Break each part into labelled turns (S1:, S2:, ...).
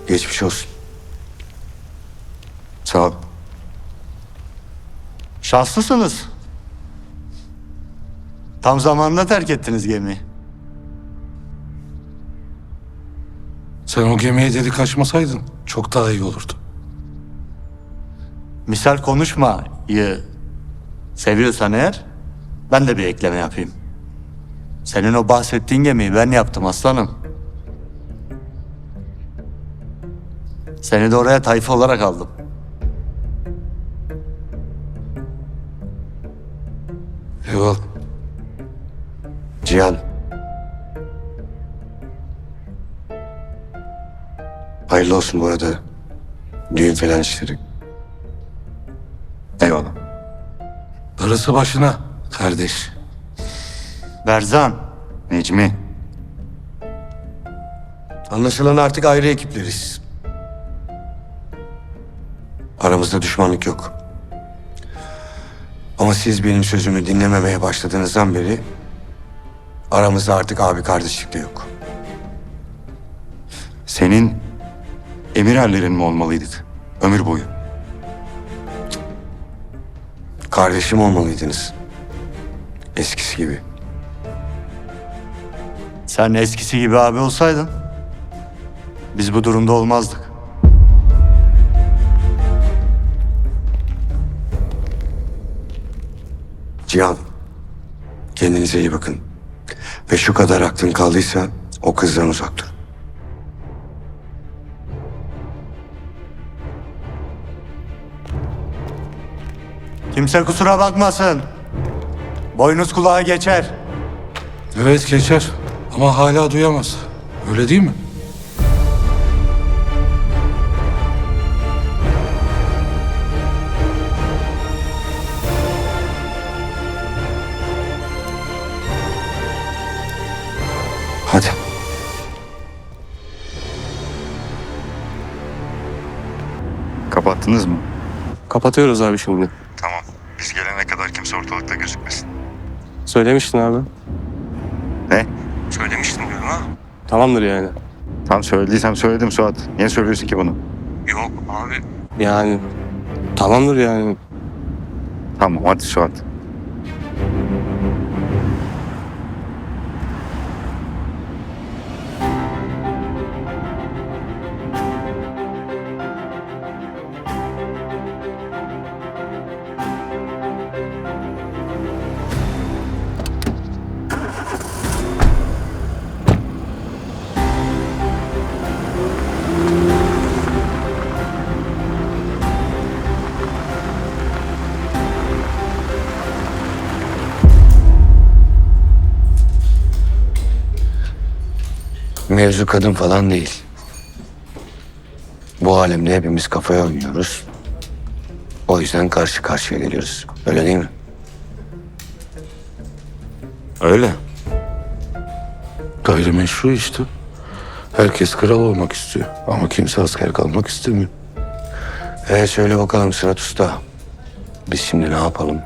S1: Geçmiş olsun. Sağ ol.
S2: Şanslısınız. Tam zamanında terk ettiniz gemiyi.
S3: Sen o gemiye delik açmasaydın çok daha iyi olurdu.
S2: Misal konuşmayı seviyorsan eğer ben de bir ekleme yapayım. Senin o bahsettiğin gemiyi ben yaptım aslanım. Seni de oraya tayfa olarak aldım.
S3: Eyvallah.
S1: Cihan. Hayırlı olsun bu arada. Düğün falan işleri.
S2: Eyvallah.
S3: Darısı başına kardeş.
S2: Berzan.
S1: Necmi. Anlaşılan artık ayrı ekipleriz. Aramızda düşmanlık yok. Ama siz benim sözümü dinlememeye başladığınızdan beri aramızda artık abi kardeşlik de yok.
S4: Senin emirerlerin mi olmalıydık ömür boyu?
S1: Kardeşim olmalıydınız. Eskisi gibi.
S2: Sen eskisi gibi abi olsaydın biz bu durumda olmazdık.
S1: Cihan, kendinize iyi bakın. Ve şu kadar aklın kaldıysa o kızdan uzak dur.
S2: Kimse kusura bakmasın. Boynuz kulağa geçer.
S3: Evet geçer ama hala duyamaz. Öyle değil mi?
S1: Hadi.
S4: Kapattınız mı?
S5: Kapatıyoruz abi şimdi.
S4: Tamam. Biz gelene kadar kimse ortalıkta gözükmesin.
S5: Söylemiştin abi.
S4: Ne?
S5: Söylemiştin diyorum ha. Tamamdır yani.
S4: Tam söylediysem söyledim Suat. Niye söylüyorsun ki bunu?
S5: Yok abi. Yani tamamdır yani.
S4: Tamam hadi Suat.
S1: Mevzu kadın falan değil. Bu alemde hepimiz kafaya oynuyoruz. O yüzden karşı karşıya geliyoruz. Öyle değil mi?
S3: Öyle. Gayrimeşru işte. Herkes kral olmak istiyor ama kimse asker kalmak istemiyor.
S1: Söyle bakalım Sırat Usta. Biz şimdi ne yapalım?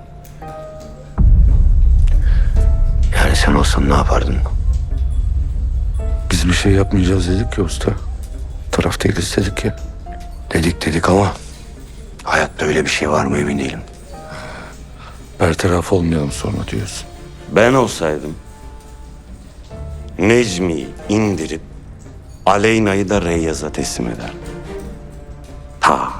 S1: Yani sen olsan ne yapardın?
S3: Biz bir şey yapmayacağız dedik ya usta. Taraf değiliz dedik ya.
S1: Dedik ama hayatta öyle bir şey var mı emin değilim.
S3: Bertaraf olmayalım sonra diyorsun.
S6: Ben olsaydım Necmi'yi indirip Aleyna'yı da Reyyaz'a teslim ederdim. Ta.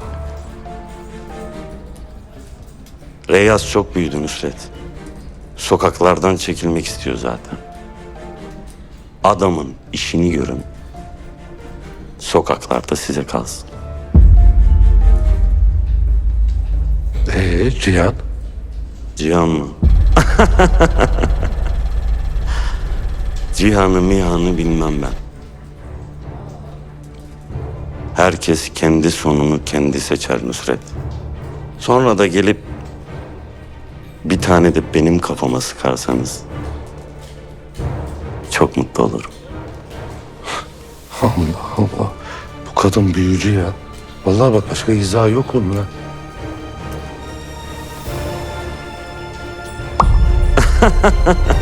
S6: Reyyaz çok büyüdü Nusret. Sokaklardan çekilmek istiyor zaten. Adamın işini görün. Sokaklarda size kalsın.
S3: Cihan?
S6: Cihan mı? Cihan'ı mihanı bilmem ben. Herkes kendi sonunu kendi seçer Nusret. Sonra da gelip bir tane de benim kafama sıkarsanız çok mutlu olurum.
S3: Allah Allah. Bu kadın büyücü ya. Vallahi bak başka izah yok onun ha.